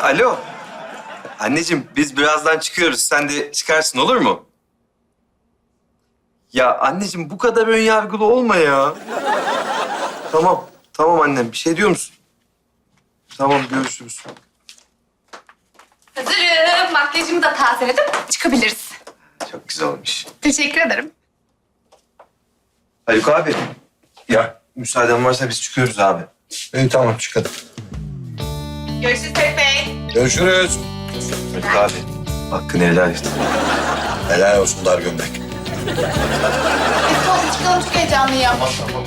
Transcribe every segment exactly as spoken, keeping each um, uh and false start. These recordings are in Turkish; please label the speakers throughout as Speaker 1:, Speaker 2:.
Speaker 1: alo. Anneciğim biz birazdan çıkıyoruz. Sen de çıkarsın olur mu? Ya anneciğim bu kadar ön yargılı olma ya. Tamam, tamam annem. Bir şey diyor musun? Tamam, görüşürüz.
Speaker 2: Hazırım. Makyajımı da tazeledim. Çıkabiliriz.
Speaker 1: Çok güzel olmuş.
Speaker 2: Teşekkür ederim.
Speaker 1: Haluk abi. Ya müsaaden varsa biz çıkıyoruz abi.
Speaker 3: İyi tamam çıkalım.
Speaker 2: Görüşürüz Ferit Bey.
Speaker 3: Görüşürüz.
Speaker 1: Haluk abi. Hakkını helal et.
Speaker 3: Helal olsun dar gömlek.
Speaker 2: Biz Tolga çıkalım. Çok heyecanlıyım.
Speaker 1: Tamam, tamam.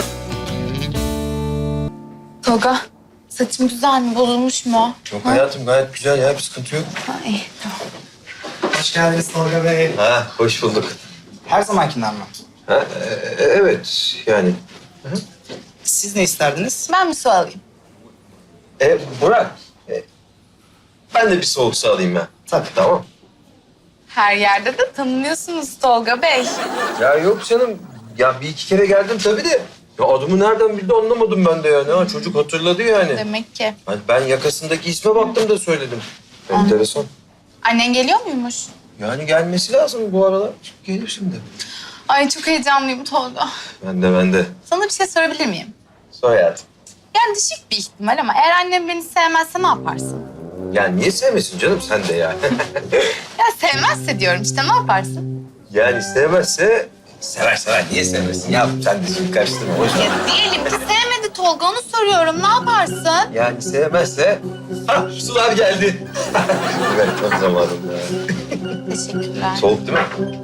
Speaker 2: Tolga, saçım güzel mi? Bozulmuş mu?
Speaker 3: Yok hayatım gayet güzel ya bir sıkıntı yok.
Speaker 2: Ha, iyi, tamam.
Speaker 4: Hoş geldiniz Tolga Bey.
Speaker 1: Ha, hoş bulduk.
Speaker 4: Her zamankinden mi?
Speaker 1: Ha, e- evet yani.
Speaker 4: Siz ne isterdiniz?
Speaker 2: Ben bir su alayım.
Speaker 1: E, Burak. e, ben de bir soğuk su alayım ben.
Speaker 4: Tabii.
Speaker 1: Tamam.
Speaker 2: Her yerde de tanınıyorsunuz Tolga Bey.
Speaker 1: Ya yok canım. Ya bir iki kere geldim tabii de. Ya adımı nereden bildi anlamadım ben de yani. Ha, çocuk hatırladı yani.
Speaker 2: Demek ki.
Speaker 1: Hani ben yakasındaki isme baktım da söyledim. Enteresan.
Speaker 2: Annen geliyor muymuş?
Speaker 1: Yani gelmesi lazım bu aralar. Gelir şimdi.
Speaker 2: Ay çok heyecanlıyım Tolga.
Speaker 1: Ben de ben de.
Speaker 2: Sana bir şey sorabilir miyim?
Speaker 1: Sor hayatım.
Speaker 2: Yani düşük bir ihtimal ama eğer annem beni sevmezse ne yaparsın?
Speaker 1: Ya niye sevmesin canım sen de ya?
Speaker 2: Ya sevmezse diyorum işte ne yaparsın?
Speaker 1: Yani sevmezse... Sever sever. Niye sevmesin ya? Sen de şimdi karıştırma. Boş ver.
Speaker 2: Ya diyelim ki sevmedi Tolga onu soruyorum ne yaparsın?
Speaker 1: Yani sevmezse... Ha sular geldi. Evet tam zamanında.
Speaker 2: Teşekkürler.
Speaker 1: Soğuk değil mi?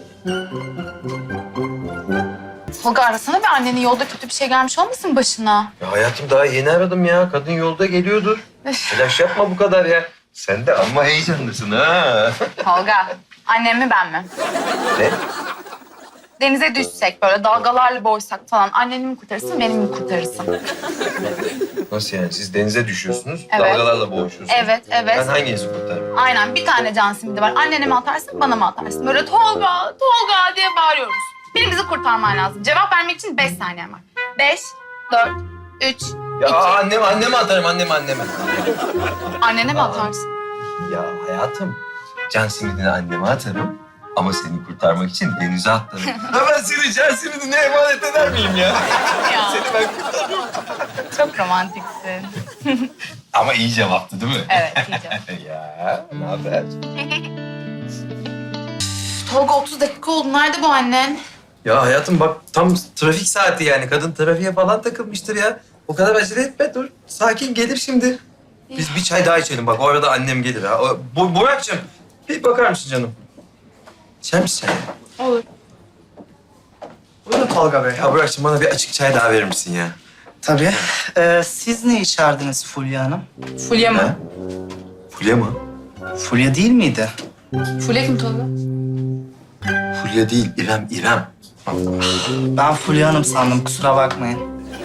Speaker 2: Tolga arasana bir annenin yolda kötü bir şey gelmiş olmasın başına?
Speaker 1: Ya hayatım daha yeni aradım ya. Kadın yolda geliyordur. Telaş yapma bu kadar ya. Sen de amma heyecanlısın ha.
Speaker 2: Tolga, annem mi ben mi?
Speaker 1: Ne?
Speaker 2: Denize düşsek böyle dalgalarla boğuşsak falan anneni mi kurtarırsın beni mi kurtarırsın?
Speaker 1: Nasıl yani? Siz denize düşüyorsunuz,
Speaker 2: Evet.
Speaker 1: dalgalarla boğuşuyorsunuz.
Speaker 2: Evet, evet.
Speaker 1: Ben hanginizi kurtarırım?
Speaker 2: Aynen bir tane can simidi var. Annene mi atarsın bana mı atarsın? Böyle Tolga, Tolga diye bağırıyoruz. Birimizi kurtarman lazım. Cevap vermek için beş saniyen var. Beş, dört, üç,
Speaker 1: Ya
Speaker 2: iki.
Speaker 1: anneme, anneme atarım, anneme, anneme.
Speaker 2: Annene mi atarsın?
Speaker 1: Ya hayatım, can simidini anneme atarım. Ama seni kurtarmak için denize atlarım. Ha ben seni can simidine emanet eder miyim ya?
Speaker 2: Ya.
Speaker 1: Seni ben kurtarırım.
Speaker 2: Çok romantiksin.
Speaker 1: Ama iyi cevaptı değil mi?
Speaker 2: Evet, iyi cevap.
Speaker 1: Ya, ne haber?
Speaker 2: Tolga otuz dakika oldu. Nerede bu annen?
Speaker 1: Ya hayatım bak tam trafik saati yani. Kadın trafiğe falan takılmıştır ya. O kadar acele etme dur. Sakin gelir şimdi. Biz bir çay daha içelim bak. O arada annem gelir ha. O, Bu, Burak'cığım bir bakar mısın canım? İçer misin sen?
Speaker 2: Olur.
Speaker 4: Buyurun Tolga Bey.
Speaker 1: Ya Burak'cığım bana bir açık çay daha verir misin ya?
Speaker 4: Tabii. Ee, siz ne içerdiniz Fulya Hanım?
Speaker 2: Fulya
Speaker 1: Ha? Fulya mı?
Speaker 4: Fulya değil miydi?
Speaker 2: Fulya kim Tolga?
Speaker 1: Fulya değil, İrem, İrem.
Speaker 4: Ben Fulya Hanım sandım kusura bakmayın.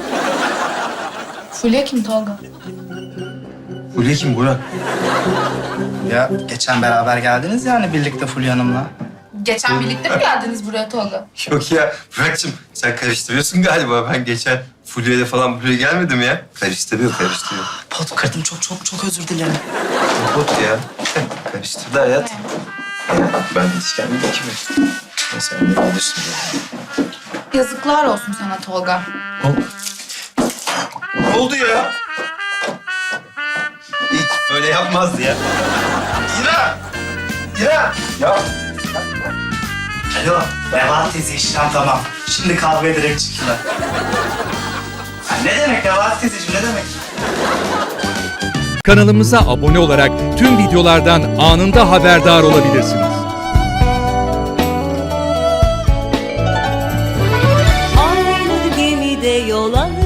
Speaker 2: Fulya kim Tolga?
Speaker 1: Fulya kim Burak?
Speaker 4: Ya geçen beraber geldiniz yani birlikte Fulya Hanım'la.
Speaker 2: Geçen birlikte mi geldiniz buraya Tolga?
Speaker 1: Yok ya Burak'cığım sen karıştırıyorsun galiba. Ben geçen Fulya'yla falan buraya gelmedim ya. Karıştırıyor, karıştırıyor.
Speaker 4: Pot kırdım çok çok çok özür dilerim.
Speaker 1: Bot ya. Karıştırdı hayat. Ben de hiç kendime kimi. Sen de bilirsin ya.
Speaker 2: Yazıklar olsun sana Tolga.
Speaker 1: Ne oldu ya? Hiç böyle yapmazdı ya. İra! İra! Ya!
Speaker 4: Alo Nebahat teyze işlem tamam. Şimdi kahveye direkt çıktılar. Ha, ne demek Nebahat teyzeciğim ne demek?
Speaker 5: Kanalımıza abone olarak tüm videolardan anında haberdar olabilirsiniz.
Speaker 6: Aynı gemide yol alır,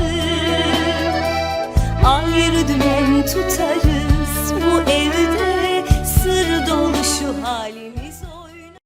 Speaker 6: ayrı dümen tutarız. Bu evde sır dolu şu halimiz.